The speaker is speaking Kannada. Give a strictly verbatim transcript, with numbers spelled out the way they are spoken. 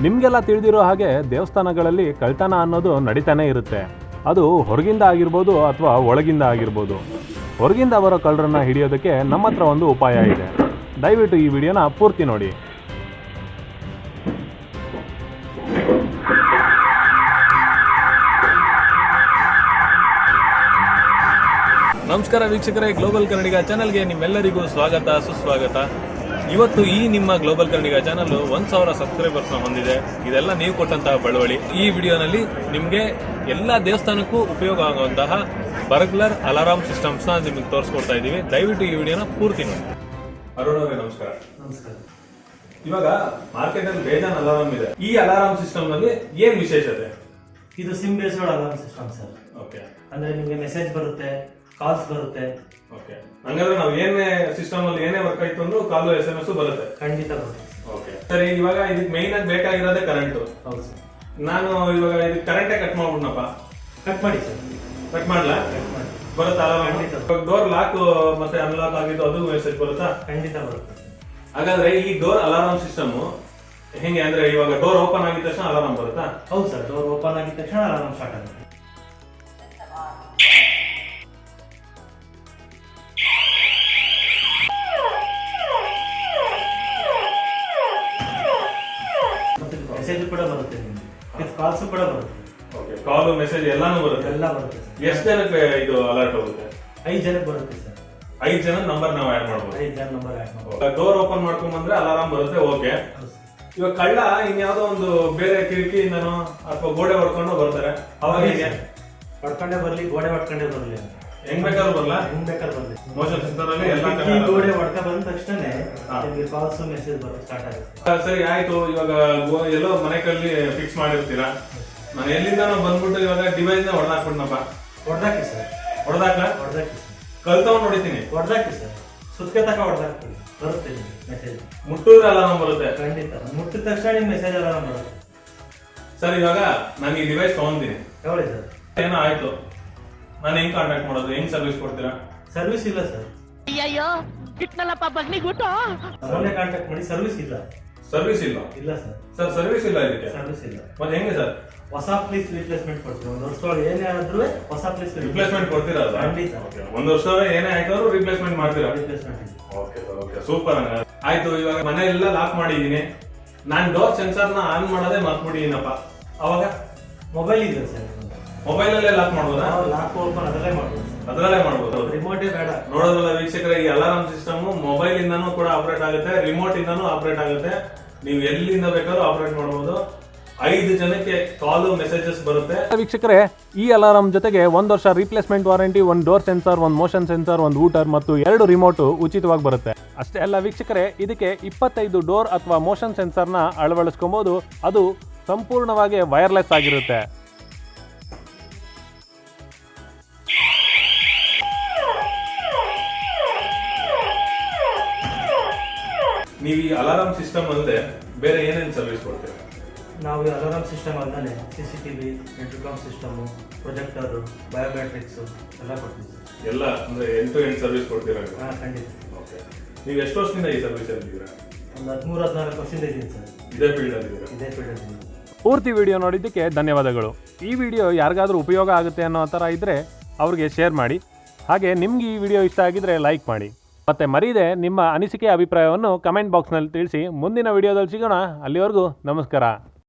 ನಿಮಗೆಲ್ಲ ತಿಳಿದಿರೋ ಹಾಗೆ ದೇವಸ್ಥಾನಗಳಲ್ಲಿ ಕಳ್ತನ ಅನ್ನೋದು ನಡೀತಾನೆ ಇರುತ್ತೆ. ಅದು ಹೊರಗಿಂದ ಆಗಿರ್ಬೋದು ಅಥವಾ ಒಳಗಿಂದ ಆಗಿರ್ಬೋದು. ಹೊರಗಿಂದ ಬರೋ ಕಳ್ಳರನ್ನ ಹಿಡಿಯೋದಕ್ಕೆ ನಮ್ಮ ಹತ್ರ ಒಂದು ಉಪಾಯ ಇದೆ. ದಯವಿಟ್ಟು ಈ ವಿಡಿಯೋನ ಪೂರ್ತಿ ನೋಡಿ. ನಮಸ್ಕಾರ ವೀಕ್ಷಕರೇ, ಗ್ಲೋಬಲ್ ಕನ್ನಡಿಗ ಚಾನಲ್ಗೆ ನಿಮ್ಮೆಲ್ಲರಿಗೂ ಸ್ವಾಗತ ಸುಸ್ವಾಗತ. ಇವತ್ತು ಈ ನಿಮ್ಮ ಗ್ಲೋಬಲ್ ಕನ್ನಡಿಗ ಚಾನಲ್ ಒಂದ್ ಸಾವಿರ ಸಬ್ಸ್ಕ್ರೈಬರ್ಸ್ನ ಹೊಂದಿದೆ. ಇದೆಲ್ಲ ನೀವು ಕೊಟ್ಟಂತಹ ಬಳವಳಿ. ಈ ವಿಡಿಯೋನಲ್ಲಿ ನಿಮಗೆ ಎಲ್ಲ ದೇವಸ್ಥಾನಕ್ಕೂ ಉಪಯೋಗ ಆಗುವಂತಹ ಬರ್ಗ್ಲರ್ ಅಲಾರಾಮ್ ಸಿಸ್ಟಮ್ಸ್ನ ನಿಮಗೆ ತೋರಿಸ್ಕೊಡ್ತಾ ಇದ್ದೀವಿ. ದಯವಿಟ್ಟು ಈ ವಿಡಿಯೋನ ಪೂರ್ತಿ ನೋಡಿ. ಅರುಣ್ ಅವರೇ ನಮಸ್ಕಾರ. ನಮಸ್ಕಾರ. ಇವಾಗ ಮಾರ್ಕೆಟ್ ಅಲ್ಲಿ ಬೇಜಾನ್ ಅಲಾರಾಮ್ ಇದೆ. ಈ ಅಲಾರಾಮ್ ಸಿಸ್ಟಮ್ ನಲ್ಲಿ ಏನ್ ವಿಶೇಷತೆ? ಇದು SIM based alarm system sir. Okay, ಅಂದ್ರೆ ನಿಮಗೆ ಮೆಸೇಜ್ ಬರುತ್ತೆ, ಕಾಲ್ಸ್ ಬರುತ್ತೆ. ಓಕೆ, ಹಂಗಾದ್ರೆ ನಾವು ಏನೇ ಸಿಸ್ಟಮ್ ಅಲ್ಲಿ ಏನೇ ವರ್ಕ್ ಆಯ್ತು ಅಂದ್ರೂ ಕಾಲು ಎಸ್ ಎಂ ಎಸ್ ಬರುತ್ತೆ. ಖಂಡಿತ ಬರುತ್ತೆ. ಓಕೆ ಸರಿ, ಇವಾಗ ಇದಕ್ಕೆ ಮೈನ್ ಆಗಿ ಬೇಕಾಗಿರೋದೇ ಕರೆಂಟ್. ಹೌದು ಸರ್. ನಾನು ಇವಾಗ ಇದಕ್ಕೆ ಕರೆಂಟೇ ಕಟ್ ಮಾಡ್ಬಿಡ್ನಪ್ಪ. ಕಟ್ ಮಾಡಿ ಸರ್. ಕಟ್ ಮಾಡ್ಲಾ? ಕಟ್ ಮಾಡಿ ಬರುತ್ತಾ ಅಲಾರಾಮ್? ಖಂಡಿತ. ಡೋರ್ ಲಾಕ್ ಮತ್ತೆ ಅನ್ಲಾಕ್ ಆಗಿದ್ದು ಅದು ಮೆಸೇಜ್ ಬರುತ್ತಾ? ಖಂಡಿತ ಬರುತ್ತೆ. ಹಾಗಾದ್ರೆ ಈ ಡೋರ್ ಅಲಾರಾಮ್ ಸಿಸ್ಟಮ್ ಹೆಂಗೆ ಅಂದ್ರೆ ಇವಾಗ ಡೋರ್ ಓಪನ್ ಆಗಿದ ತಕ್ಷಣ ಅಲಾರಾಮ್ ಬರುತ್ತಾ? ಹೌದು ಸರ್. ಡೋರ್ ಓಪನ್ ಆಗಿದ ತಕ್ಷಣ ಅಲಾರಾಮ್ ಸ್ಟಾರ್ಟ್ ಆಗುತ್ತೆ. ಮೆಸೇಜ್ ಕೂಡ ಬರುತ್ತೆ, ನಿಮಗೆ ಕಾಲ್ಸ್ ಕೂಡ ಬರುತ್ತೆ. ಓಕೆ, ಕಾಲ್ ಮೆಸೇಜ್ ಎಲ್ಲಾನು ಬರುತ್ತೆ. ಎಲ್ಲ ಬರುತ್ತೆ ಸರ್. ಎಷ್ಟು ಜನಕ್ಕೆ ಇದು ಅಲರ್ಟ್ ಹೋಗುತ್ತೆ? ಐದು ಜನಕ್ಕೆ ಬರುತ್ತೆ ಸರ್. ಐದು ಜನ ನಂಬರ್ ನಾವು ಆಡ್ ಮಾಡ್ಬೋದು. ಐದು ಜನ ನಂಬರ್ ಆಡ್ ಮಾಡ್ಬೋದು. ಡೋರ್ ಓಪನ್ ಮಾಡ್ಕೊಂಡ್ ಬಂದ್ರೆ ಅಲಾರಾಮ್ ಬರುತ್ತೆ. ಓಕೆ, ಇವಾಗ ಕಳ್ಳ ಇನ್ಯಾವುದೋ ಒಂದು ಬೇರೆ ಕಿಟಕಿಯಿಂದನೋ ಅಥವಾ ಗೋಡೆ ಹೊಡ್ಕೊಂಡು ಬರ್ತಾರೆ, ಅವಾಗ ಹೇಗೆ? ಹೊಡ್ಕೊಂಡೇ ಬರ್ಲಿ, ಗೋಡೆ ಹೊಡ್ಕೊಂಡೇ ಬರ್ಲಿ, ಹೆಂಗ್ ಬೇಕಾದ್ರೂ ಬರಲ್ಲ, ಹೆಂಗ್ ಬೇಕಾದ್ರೂ ಬರ್ಲಿ. ಮೋಷನ್ ಸೆನ್ಸರ್ ಅಲ್ಲಿ ಎಲ್ಲ ಈ ಗೋಡೆ ಹೊಡ್ಕ ಬಂದ ತಕ್ಷಣ ನಿಮಗೆ ಕಾಲ್ಸ್ ಮೆಸೇಜ್ ಬರೋದು ಸ್ಟಾರ್ಟ್ ಆಗುತ್ತೆ. ಸರಿ ಆಯ್ತು. ಇವಾಗ ಗೋ- ಎಲ್ಲೋ ಮನೆ ಕಲ್ಲಿ ಫಿಕ್ಸ್ ಮಾಡಿರ್ತೀರಾ, ನಾನು ಎಲ್ಲಿಂದಾನೋ ಬಂದ್ಬಿಟ್ಟು ಇವಾಗ ಡಿವೈಸ್ ನ ಹೊಡೆದಾಕ್ಬಿಡ್ನಪ್ಪ. ಹೊಡ್ದಾಕಿ ಸರ್. ಹೊಡೆದಾಕ್ಲ ಹೊಡ್ದಾಕಿ ಸರ್. ಕಲ್ತವ್ ನೋಡಿತೀನಿ. ಹೊಡ್ದಾಕಿ ಸರ್. ಸುತ್ಕೆ ತಕ ಹೊಡ್ದಾಕ್ತೀವಿ, ಬರುತ್ತೆ ಮೆಸೇಜ್. ಮುಟ್ಟೂರ ಅಲಾರಾಮ್ ಬರುತ್ತೆ. ಖಂಡಿತ. ಮುಟ್ಟಿದ ತಕ್ಷಣ ನಿಮ್ ಮೆಸೇಜ್ ಅಲಾರಾಮ್ ಬರುತ್ತೆ. ಸರ್ ಇವಾಗ ನಾನು ಈ ಡಿವೈಸ್ ತಗೊಂತೀನಿ, ಹೇಳಿ ಸರ್. ಏನೋ ಆಯ್ತು, ನಾನು ಹೆಂಗ್ ಕಾಂಟ್ಯಾಕ್ಟ್ ಮಾಡೋದು, ಹೆಂಗ್ ಸರ್ವಿಸ್ ಕೊಡ್ತೀರಾ? ಸರ್ವಿಸ್ ಇಲ್ಲ ಸರ್. ಅಯ್ಯಯ್ಯೋ ಬಿಟ್ನಲ್ಲಪ್ಪ ಬಗ್ನಿಗುಟ್ಟು. ಮೊನ್ನೆ ಕಾಂಟ್ಯಾಕ್ಟ್ ಮಾಡಿ. ಸರ್ವಿಸ್ ಇಲ್ಲ. ಸರ್ವಿಸ್ ಇಲ್ಲ ಇಲ್ಲ ಸರ್. ಸರ್ ಸರ್ವಿಸ್ ಇಲ್ಲ ಇದಕ್ಕೆ? ಸರ್ವಿಸ್ ಇಲ್ಲ. ಮತ್ತೆ ಹೆಂಗೆ ಸರ್? ಹೊಸ ಪ್ಲೀಸ್ ರಿಪ್ಲೇಸ್ಮೆಂಟ್ ಕೊಡ್ತೀವಿ. ಒಂದು ವರ್ಷದೊಳಗೆ ಏನೇ ಆದ್ರೂ ಹೊಸ ಪ್ಲೀಸ್ ರಿಪ್ಲೇಸ್ಮೆಂಟ್ ಕೊಡ್ತೀರಾ? ಖಂಡಿತ. ಒಂದು ವರ್ಷ ಏನೇ ಆಯ್ತಾದ್ರು ರಿಪ್ಲೇಸ್ಮೆಂಟ್ ಮಾಡ್ತೀರಾ? Replacement. Okay sir, okay, super. ಆಯ್ತು, ಇವಾಗ ಮನೆ ಎಲ್ಲ ಲಾಕ್ ಮಾಡಿದೀನಿ, ನಾನ್ ಡೋರ್ ಸೆನ್ಸರ್ ನ ಆನ್ ಮಾಡೋದೇ ಮರ್ತ್ಬಿಟ್ಟಿದ್ದೀನಪ್ಪ. ಅವಾಗ ಮೊಬೈಲ್ ಇದೆ ಸರ್. ಮೊಬೈಲ್ ಅಲ್ಲೇ ಲಾಕ್ ಮಾಡ್ಬೋದಾ? ಲಾಕ್ ಓಪನ್ ಅದರಲ್ಲೇ ಮಾಡ್ಬೋದು. ಅದ್ರಲ್ಲೇ ಮಾಡ್ಬೋದು. ರಿಮೋಟೇ ಬೇಡ. ನೋಡೋದಲ್ಲ ವೀಕ್ಷಕರೇ, ಈ ಅಲಾರಾಮ್ ಸಿಸ್ಟಮ್ ಮೊಬೈಲ್ ಇಂದಾನು ಕೂಡ ಆಪರೇಟ್ ಆಗುತ್ತೆ, ರಿಮೋಟ್ ಇಂದಾನು ಆಪರೇಟ್ ಆಗುತ್ತೆ. ನೀವು ಎಲ್ಲಿಂದ ಬೇಕಾದ್ರೂ ಆಪರೇಟ್ ಮಾಡಬಹುದು. ಐದು ಜನಕ್ಕೆ ಕಾಲು ಮೆಸೇಜಸ್ ಬರುತ್ತೆ. ವೀಕ್ಷಕರೇ, ಈ ಅಲಾರಾಮ್ ಜೊತೆಗೆ ಒಂದ್ ವರ್ಷ ರಿಪ್ಲೇಸ್ಮೆಂಟ್ ವಾರಂಟಿ, ಒಂದ್ ಡೋರ್ ಸೆನ್ಸರ್, ಒಂದ್ ಮೋಷನ್ ಸೆನ್ಸರ್, ಒಂದ್ ಊಟರ್ ಮತ್ತು ಎರಡು ರಿಮೋಟ್ ಉಚಿತವಾಗಿ ಬರುತ್ತೆ. ಅಷ್ಟೇ ಅಲ್ಲ ವೀಕ್ಷಕರೇ, ಇದಕ್ಕೆ ಇಪ್ಪತ್ತೈದು ಡೋರ್ ಅಥವಾ ಮೋಷನ್ ಸೆನ್ಸರ್ನ ಅಳವಡಿಸ್ಕೊಬಹುದು. ಅದು ಸಂಪೂರ್ಣವಾಗಿ ವೈರ್ಲೆಸ್ ಆಗಿರುತ್ತೆ. ನೀವು ಈ ಅಲಾರಾಮ್ ಸಿಸ್ಟಮ್ ಅಲ್ಲದೆ ಬೇರೆ ಏನೇನು ಸರ್ವಿಸ್ ಕೊಡ್ತೀರಾ? ನಾವು ಈ ಅಲಾರಾಮ್ ಸಿಸ್ಟಮ್ ಅಲ್ಲದೆ C C T V, intercom system, projector, biometrics ಎಲ್ಲ ಕೊಡ್ತೀವಿ ಸರ್. ಎಲ್ಲ ಅಂದ್ರೆ ಎಂಟು ಟು ಎಂಟು ಸರ್ವಿಸ್ ಕೊಡ್ತೀರಾ? ಹಾಂ ಖಂಡಿತ. ಓಕೆ, ನೀವು ಎಷ್ಟು ವರ್ಷದಿಂದ ಈ ಸರ್ವಿಸ್ ಅಲ್ಲಿ ಇದ್ದೀರಾ? ಒಂದು ಹದಿಮೂರು ಹದಿನಾಲ್ಕು ವರ್ಷದಿಂದ ಇದ್ದೀನಿ ಸರ್. ಇದೇ ಫೀಲ್ಡ್ ಅಲ್ಲಿ ಇದ್ದೀರಾ? ಇದೇ ಫೀಲ್ಡ್ ಅಲ್ಲಿ. ಪೂರ್ತಿ ವಿಡಿಯೋ ನೋಡಿದ್ದಕ್ಕೆ ಧನ್ಯವಾದಗಳು. ಈ ವಿಡಿಯೋ ಯಾರಿಗಾದ್ರೂ ಉಪಯೋಗ ಆಗುತ್ತೆ ಅನ್ನೋ ಥರ ಇದ್ದರೆ ಅವ್ರಿಗೆ ಶೇರ್ ಮಾಡಿ. ಹಾಗೆ ನಿಮ್ಗೆ ಈ ವಿಡಿಯೋ ಇಷ್ಟ ಆಗಿದ್ರೆ ಲೈಕ್ ಮಾಡಿ. ಮತ್ತೆ ಮರೀದೆ ನಿಮ್ಮ ಅನಿಸಿಕೆ ಅಭಿಪ್ರಾಯವನ್ನು ಕಮೆಂಟ್ ಬಾಕ್ಸ್ನಲ್ಲಿ ತಿಳಿಸಿ. ಮುಂದಿನ ವಿಡಿಯೋದಲ್ಲಿ ಸಿಗೋಣ. ಅಲ್ಲಿವರೆಗೂ ನಮಸ್ಕಾರ.